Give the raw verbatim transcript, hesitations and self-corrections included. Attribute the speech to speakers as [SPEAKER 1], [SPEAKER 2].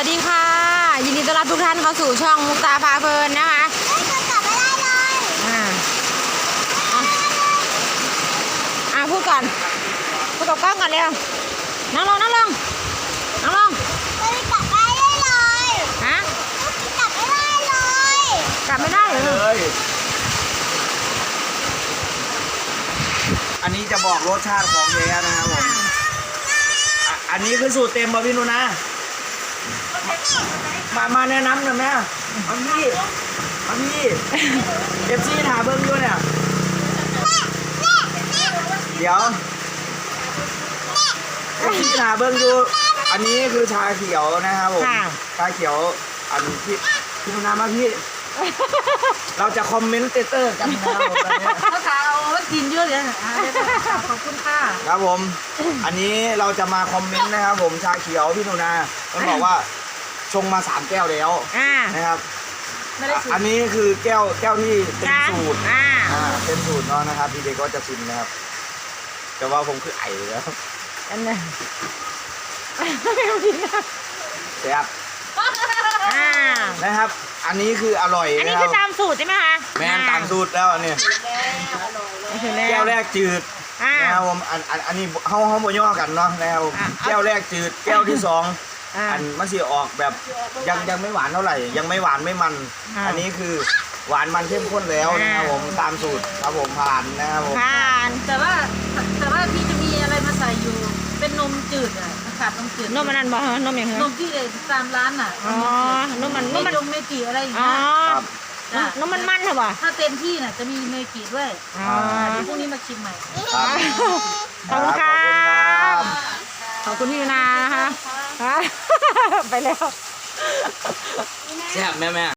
[SPEAKER 1] วัสดีค่ะยินดีต้อนรับทุกท่านเข้าสู่ช่องมุกตาพาเพลินนะคะกลับไม่ได้เลยอ่าอ่าพูดก่อนพูดกับกล้องก่อนเร็วนั่งลงนั่งลงนั่งลงไม่กลับไม่ได้เลยฮะกลับไม่ได้เลยกลับไม่ได้เลย
[SPEAKER 2] อันนี้จะบอกรสชาติของแท้นะครับผมอันนี้คือสูตรเต็มป่ะพี่นุนะมามาแนะนำหน่อยแม่มาพี่มาพี่เอฟซีถามเบิ้งด้วยเนี่ยเดี๋ยวเอฟซีถามเบิ้งดูอันนี้คือชาเขียวนะครับผมชาเขียวอันพี่พี่นุนะมาพี่เราจะคอมเมนต์เตอร์กันนะครับผมตอนนี้
[SPEAKER 3] เขาถามว่ากินเยอะเลยขอบคุณค่ะ
[SPEAKER 2] ครับผมอันนี้เราจะมาคอมเมนต์นะครับผมชาเขียวพี่นุนามันบอกว่าชงมาสามแก้วแล้วนะครับอันนี้คือแก้วแก้วที่เต็มสูตรอ่าเต็มสูตรเนาะนะครับพี่เด็กก็จะชิมนะครับแต่ว่าผมคือไอ้แล้ว
[SPEAKER 1] อันนี้
[SPEAKER 2] แซ่บนะครับอันนี้คืออร่อย
[SPEAKER 1] อันนี้คือตามสูตรใช่ไหมคะ
[SPEAKER 2] แม่ตามสูตรแล้วอันนี้แก้วแรกจืดนะครับผมอันอันอันนี้เขาเขาโมย่อกันเนาะนะครับแก้วแรกจืดแก้วที่สองอันมันสีออกแบบยังยังไม่หวานเท่าไหร่ยังไม่หวานไม่มันอันนี้คือหวานมันเข้มข้นแล้วนะครับผมตามสูตรครับผมผ่านนะครับผม
[SPEAKER 1] ผ่าน
[SPEAKER 3] แต่ว่าแต่ว่าพี่จะมีอะไรมาใส่อยู่เป็นนมจืดอ่ะขาดนมจืด
[SPEAKER 1] นมมันนั่นบ่นมอย่างไร
[SPEAKER 3] นมที่ตามร้านอ่ะ
[SPEAKER 1] อ๋อนมมันนมมัน
[SPEAKER 3] นมเมจิอะไรอย่าง
[SPEAKER 1] เงี้ยนมมันมันเหรอวะ
[SPEAKER 3] ถ้าเต็มที่น่ะจะมีเมจิด้วย
[SPEAKER 1] อ๋อ
[SPEAKER 3] พรุ่งนี้มาชิมใหม่
[SPEAKER 1] ขอบคุณค่ะขอบคุณพี่นานะคะไปแล้ว
[SPEAKER 2] แซ่บแม่แม่